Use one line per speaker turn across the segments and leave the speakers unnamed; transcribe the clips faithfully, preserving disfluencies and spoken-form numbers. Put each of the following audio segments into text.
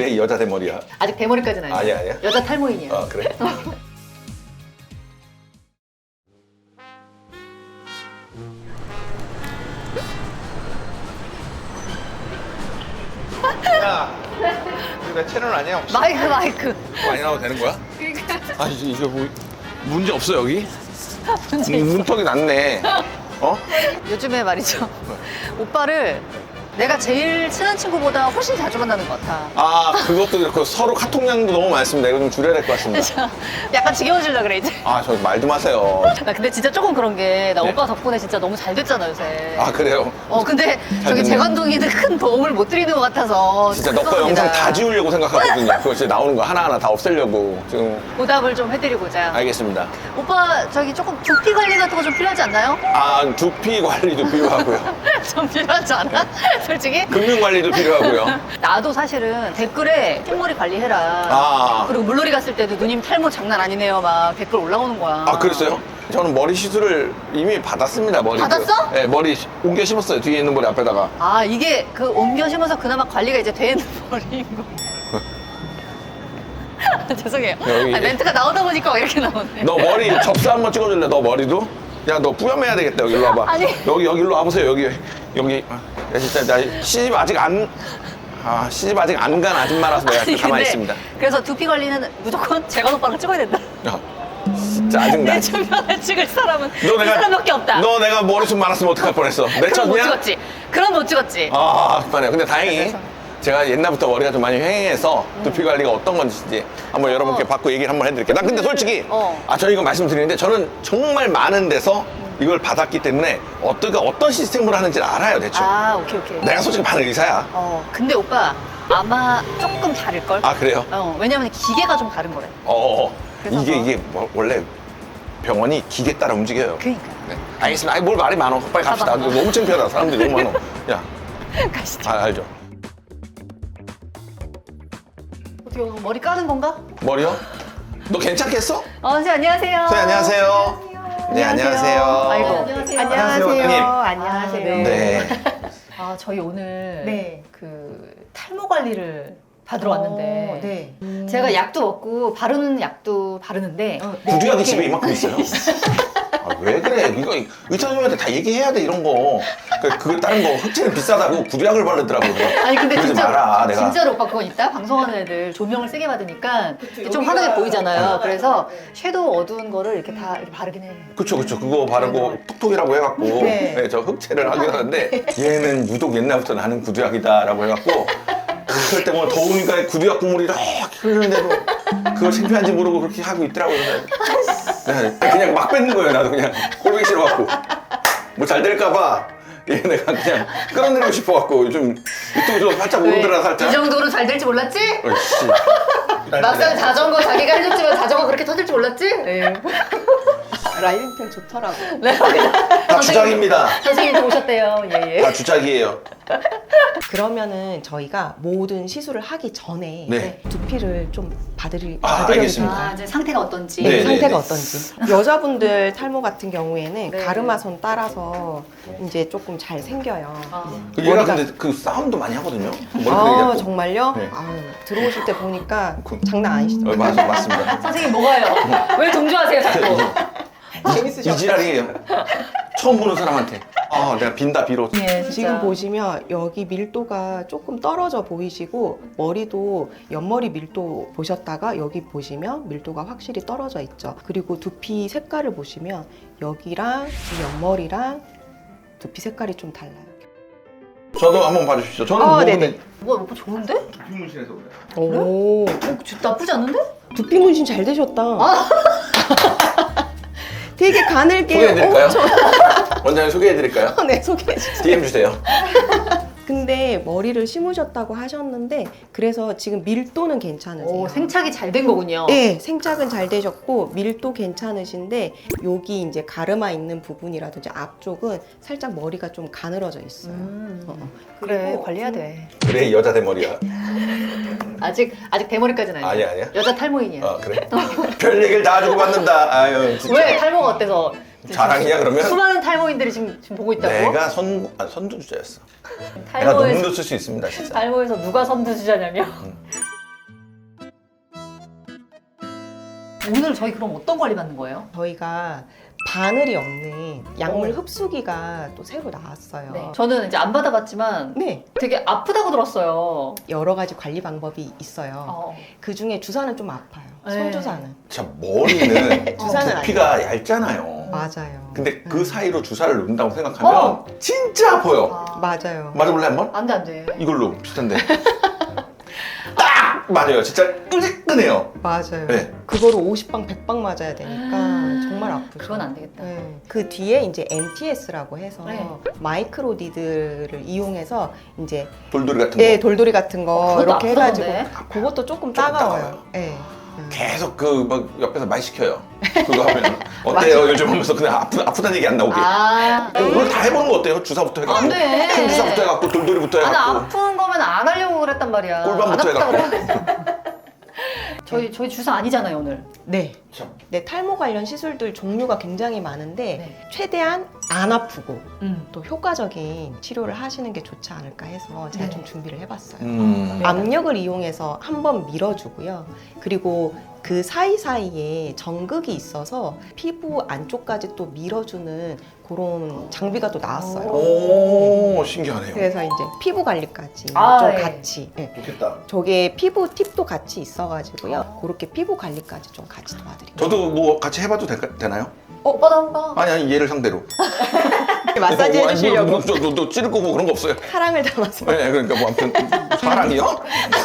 그래 여자 대머리야.
아직 대머리까지는 아니야.
아니야 아니야.
여자 탈모인이야.
어 그래. 야, 이거 내 채널 아니야 혹시?
마이크 마이크.
많이 나와도 되는 거야?
그러니까
아 이거, 이거 뭐 문제 없어 여기?
문제 있어.
문턱이 났네. 어?
요즘에 말이죠. 오빠를 내가 제일 친한 친구보다 훨씬 자주 만나는 것 같아.
아 그것도 그렇고 서로 카톡량도 너무 많습니다. 이거 좀 줄여야 될 것 같습니다.
약간 지겨워질라 그래 이제.
아 저 말 좀 하세요.
나 근데 진짜 조금 그런 게 나
네.
오빠 덕분에 진짜 너무 잘 됐잖아 요새.
아 그래요?
어 근데 저기
됐네.
재관동이는 큰 도움을 못 드리는 것 같아서
진짜 너 거
죄송합니다.
영상 다 지우려고 생각하거든요. 그거 진짜 나오는 거 하나하나 다 없애려고 지금.
보답을 좀 해드리고자.
알겠습니다.
오빠 저기 조금 두피 관리 같은 거 좀 필요하지 않나요?
아 두피 관리도 필요하고요.
좀 필요하지 않아? 솔직히?
금융 관리도 필요하고요.
나도 사실은 댓글에 흰머리 관리해라.
아.
그리고 물놀이 갔을 때도 누님 탈모 장난 아니네요. 막 댓글 올라오는 거야.
아 그랬어요? 저는 머리 시술을 이미 받았습니다. 머리.
받았어?
네 머리 옮겨 심었어요. 뒤에 있는 머리 앞에다가.
아 이게 그 옮겨 심어서 그나마 관리가 이제 되는 머리인 거. 죄송해요.
여기-
아, 멘트가 나오다 보니까 이렇게 나오네.
너 머리 접수 한번 찍어줄래? 너 머리도? 야 너 뿌염해야 되겠다. 여기 일로 와봐.
아니.
여기 여기 일로 와보세요. 여기 여기. 야 진짜 나 시집 아직 안. 아 시집 아직 안 간 아줌마라서 내가
아니,
가만히
근데
있습니다.
그래서 두피 관리는 무조건 재관 오빠랑 찍어야 된다.
야 짜증나.
내 주변에 찍을 사람은
너
이
내가
사람밖에 없다.
너 내가 머리숱 많았으면 어떡할 뻔했어. 내
그럼 못
쳤냐?
찍었지. 그럼 못 찍었지.
아, 그만해요. 근데 다행히
그래서?
제가 옛날부터 머리가 좀 많이 휑해서 두피 관리가 어떤 건지 한번 여러분께 받고 얘기를 한번 해드릴게요. 나 근데 솔직히
어.
아, 저 이거 말씀드리는데 저는 정말 많은 데서 이걸 받았기 때문에 어떤, 어떤 시스템으로 하는지를 알아요, 대충.
아 오케이 오케이.
내가 솔직히 반응 의사야.
어 근데 오빠 아마 조금 다를 걸.
아, 그래요?
어 왜냐면 기계가 좀 다른 거래.
어, 어, 어.
그래서
이게,
뭐-
이게 뭐- 원래 병원이 기계 따라 움직여요.
그러니까.
네. 알겠습니다. 아니, 뭘 말이 많어. 빨리 갑시다.
가봐.
너무 창피하다. 사람들이 너무 많어. 야,
가시죠.
아, 알죠.
어떻게 오늘 머리 까는 건가?
머리요? 너 괜찮겠어?
어 선생님 안녕하세요.
선생님, 안녕하세요. 네, 안녕하세요.
아이고.
안녕하세요.
안녕하세요, 원장님.
안녕하세요.
네.
아 저희 오늘
네.
그 탈모 관리를 받으러 왔는데
네.
제가 약도 먹고 바르는 약도 바르는데
어,
구두약이 집에 이만큼 있어요. 아, 왜 그래? 이거 의사 선생님한테 다 얘기해야 돼 이런 거. 그, 그 다른 거 흑채는 비싸다고 구두약을 바르더라고.
아니 근데
그러지
진짜
마라, 내가.
진짜로 오빠 그건 있다. 방송하는 애들 조명을 세게 받으니까 좀
여기가-
환하게 보이잖아요.
네.
그래서
네.
섀도우 어두운 거를 이렇게 다 이렇게 바르긴 해.
그쵸 그쵸 그거 바르고 톡톡이라고 해갖고
네.
네, 저 흑채를 하긴 하는데 얘는 유독 옛날부터 나는 구두약이다라고 해갖고 그럴 때 뭐 더우니까 구두약 국물이 이렇게 흐르는데도 그걸 창피한지 모르고 그렇게 하고 있더라고요. 그래서 그냥, 그냥 막 뱉는 거예요. 나도 그냥 꼴보기 싫어갖고 뭐 잘 될까봐 얘 내가 그냥 끌어내리고 싶어갖고 요즘 유튜브 좀 살짝 오르더라
이
살짝.
정도로 잘 될지 몰랐지?
어이씨.
막상 자전거 자기가 해줬지만 자전거 그렇게 터질 줄 몰랐지? 네.
라이딩 좋더라고.
네.
다 주작입니다.
선생님도 오셨대요. 예, 예.
다 주작이에요.
그러면은 저희가 모든 시술을 하기 전에
네.
두피를 좀 봐드리,
아,
봐드려도
알겠습니다.
될까요?
아, 이제 상태가 어떤지.
네, 네,
상태가
네.
어떤지. 여자분들 탈모 같은 경우에는
네.
가르마선 따라서 이제 조금 잘 생겨요.
아.
그 얘가
머리가-
근데 그 싸움도 많이 하거든요. 머리
아
그리고.
정말요?
네.
아유, 들어오실 때 보니까
그-
장난 아니시죠?
어, 맞, 맞습니다.
선생님 뭐가요? 왜 동조하세요 자꾸?
이 지랄이에요. 처음 보는 사람한테. 아, 내가 빈다 비로.
예,
지금 보시면 여기 밀도가 조금 떨어져 보이시고 머리도 옆머리 밀도 보셨다가 여기 보시면 밀도가 확실히 떨어져 있죠. 그리고 두피 색깔을 보시면 여기랑 이 옆머리랑 두피 색깔이 좀 달라요.
저도 한번 봐주십시오. 저는
어,
뭐
네네.
근데
뭐가 오빠 좋은데?
두피 문신해서 그래요.
오,
어, 저 나쁘지 않은데?
두피 문신 잘 되셨다.
아.
되게 가늘게.
소개해드릴까요?
어, 저-
원장님 소개해드릴까요?
네, 소개해 주세요.
디엠 주세요.
근데 머리를 심으셨다고 하셨는데 그래서 지금 밀도는 괜찮으세요?
오, 생착이 잘 된 거군요.
네, 생착은 잘 되셨고 밀도 괜찮으신데 여기 이제 가르마 있는 부분이라든지 앞쪽은 살짝 머리가 좀 가늘어져 있어요.
음,
어, 어.
그래
그리고
관리해야 돼.
그래 여자 대머리야.
아직 아직 대머리까지는 아니야.
아니야, 아니야?
여자 탈모인이야.
아 그래? 별 얘기를 다 주고 받는다. 아유 진짜.
왜 탈모가 어때서?
자랑이야 그러면?
수많은 탈모인들이 지금 지금 보고 있다고?
내가 선 아, 선두주자였어. 내가
탈모에서
논문도 쓸 수 있습니다 진짜.
탈모에서 누가 선두주자냐면 오늘 저희 그럼 어떤 관리 받는 거예요?
저희가 바늘이 없는 약물
어.
흡수기가 또 새로 나왔어요.
네. 저는 이제 안 받아봤지만
네,
되게 아프다고 들었어요.
여러 가지 관리 방법이 있어요.
어.
그 중에 주사는 좀 아파요.
네.
손주사는.
자, 머리는
주사는
두피가 얇잖아요.
맞아요.
근데 그
음.
사이로 주사를 넣는다고 생각하면
어.
진짜 아파요.
아.
맞아요.
맞아볼래 한번?
안 돼, 안 돼.
이걸로 비슷한데. 딱 맞아요. 진짜 끈끈해요.
맞아요.
네.
그거를 오십 방, 백 방 맞아야 되니까
아,
정말 아프죠.
그건 안 되겠다.
네. 그 뒤에 이제 엠티에스라고 해서
네.
마이크로 니들을 이용해서 이제
돌돌이 같은
네,
거.
돌돌이 같은 거
그것도
이렇게 해가지고
아프던데?
그것도 조금
조금
따가워요.
따가워요.
네. 음.
계속 그 막 옆에서 말 시켜요. 그거 하면 어때요? 요즘 하면서 그냥 아프, 아프다는 얘기 안 나오게.
아,
오늘 다 해보는 거 어때요? 주사부터 해갖고
안 돼.
큰 주사부터 해갖고 돌돌이부터
아니,
해갖고
아픈 거면 안 하려고 그랬단 말이야.
꿀밤부터
안 아프다고
해갖고.
그래. 저희, 저희 주사 아니잖아요, 오늘.
네.
참.
네, 탈모 관련 시술들 종류가 굉장히 많은데
네.
최대한 안 아프고
음.
또 효과적인 치료를 하시는 게 좋지 않을까 해서 제가
네.
좀 준비를 해봤어요.
음.
네.
압력을 이용해서 한번 밀어주고요. 그리고 그 사이사이에 정극이 있어서 피부 안쪽까지 또 밀어주는 그런 장비가 또 나왔어요.
오, 신기하네요.
그래서 이제 피부 관리까지
아,
좀
예.
같이. 예.
좋겠다.
저게 피부 팁도 같이 있어가지고요. 그렇게 피부 관리까지 좀 같이 도와드립니다.
저도 뭐 같이 해봐도 될, 되나요?
오빠도 한 번.
아니 아니 얘를 상대로.
마사지
뭐, 아니,
해주시려고
뭐, 뭐, 너, 너 찌를 거고 뭐 그런 거 없어요.
사랑을 담아서.
네, 그러니까 뭐 아무튼 사랑이요?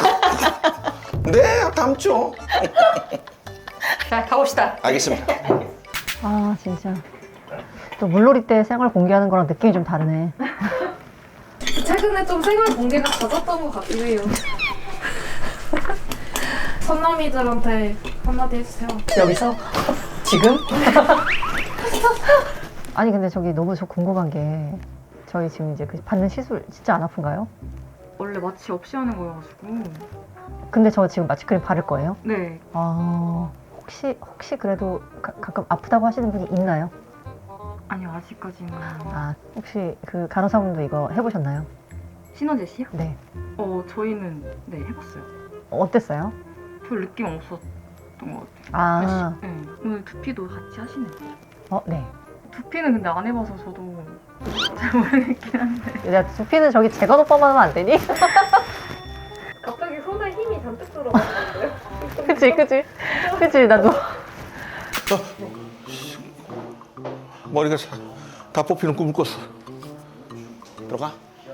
네, 담죠.
자, 가봅시다.
알겠습니다.
아 진짜 또 물놀이 때 생활 공개하는 거랑 느낌이 좀 다르네.
최근에 좀 생활 공개가 잦았던 것 같긴 해요. 선남이들한테 한마디 해주세요.
여기서? 지금?
아니 근데 저기 너무 저 궁금한 게 저희 지금 이제 그 받는 시술 진짜 안 아픈가요?
원래 마취 없이 하는 거여가지고.
근데 저 지금 마취크림 바를 거예요?
네.
아 혹시 혹시 그래도 가, 가끔 아프다고 하시는 분이 있나요?
아니요, 아직까지는.
아 혹시 그 간호사분도 이거 해보셨나요?
신원재 씨요?
네.
어, 저희는 네, 해봤어요.
어땠어요?
별 느낌 없었던 것 같아요.
아,
네. 오늘 두피도 같이 하시네요.
어, 네.
두피는 근데 안 해봐서 저도 잘 모르겠긴 한데.
야 두피는 저기 재건 오빠만 하면 안 되니?
갑자기 손에 힘이 잔뜩 들어가는데요?
그치 그치 그치 나도.
머리가 다 뽑히는 꿈을 꿨어. 들어가.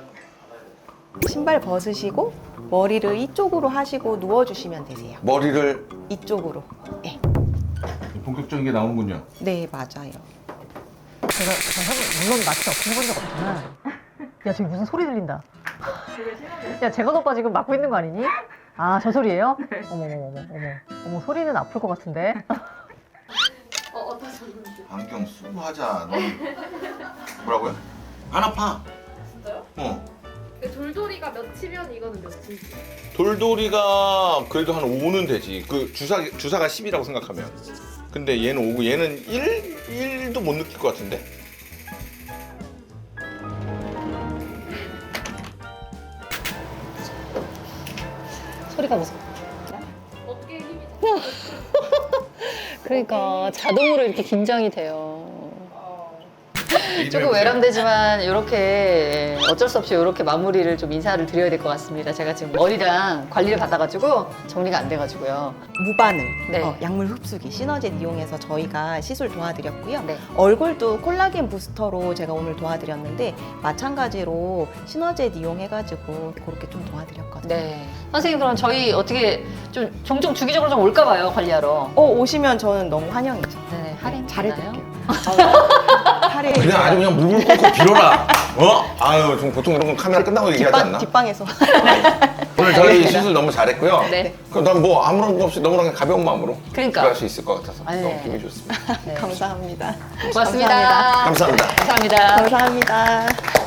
신발 벗으시고 머리를 이쪽으로 하시고 누워주시면 되세요.
머리를
이쪽으로. 네,
본격적인 게 나오는군요.
네 맞아요.
제가 제가 형 물론 마취 없이 해본 적 없지만 야 지금 무슨 소리 들린다. 야 재건 오빠 지금 맞고 있는 거 아니니? 아 저 소리예요? 어머 어머 어머 어머 어머 소리는 아플 것 같은데.
어, 어떠셨는지.
안경 쓰고 하자. 넌 뭐라고요? 안 아파.
진짜요?
어.
돌돌이가 몇이면 이거는 몇이지?
돌돌이가 그래도 한 오는 되지. 그 주사 주사가 십이라고 생각하면. 근데 얘는 오고 얘는 일, 일도 못 느낄 것 같은데.
소리가 무서워.
어깨에 힘이
그러니까 자동으로 이렇게 긴장이 돼요.
어.
조금 외람되지만 이렇게 어쩔 수 없이 이렇게 마무리를 좀 인사를 드려야 될 것 같습니다. 제가 지금 머리랑 관리를 받아가지고 정리가 안 돼가지고요.
무바늘,
네.
어, 약물 흡수기, 시너젯 이용해서 저희가 시술 도와드렸고요.
네.
얼굴도 콜라겐 부스터로 제가 오늘 도와드렸는데 마찬가지로 시너젯 이용해가지고 그렇게 좀 도와드렸거든요.
네. 선생님 그럼 저희 어떻게 좀 종종 주기적으로 좀 올까 봐요, 관리하러.
어, 오시면 저는 너무 환영이죠.
네, 할인
잘해드릴게요.
되나요?
할인.
그냥 아주 그냥 물을 끓고 빌어라. 어? 아유, 좀 보통 이런 건 카메라 끝나고 얘기하지 않나?
뒷방, 뒷방에서.
오늘 저희 시술 너무 잘했고요.
네.
그럼 난 뭐 아무런 거 없이 너무나 그냥 가벼운 마음으로
그러니까.
들어갈 수 있을 것 같아서
아, 네.
너무 기분이 좋습니다.
네.
감사합니다.
고맙습니다.
감사합니다.
감사합니다.
감사합니다.
감사합니다.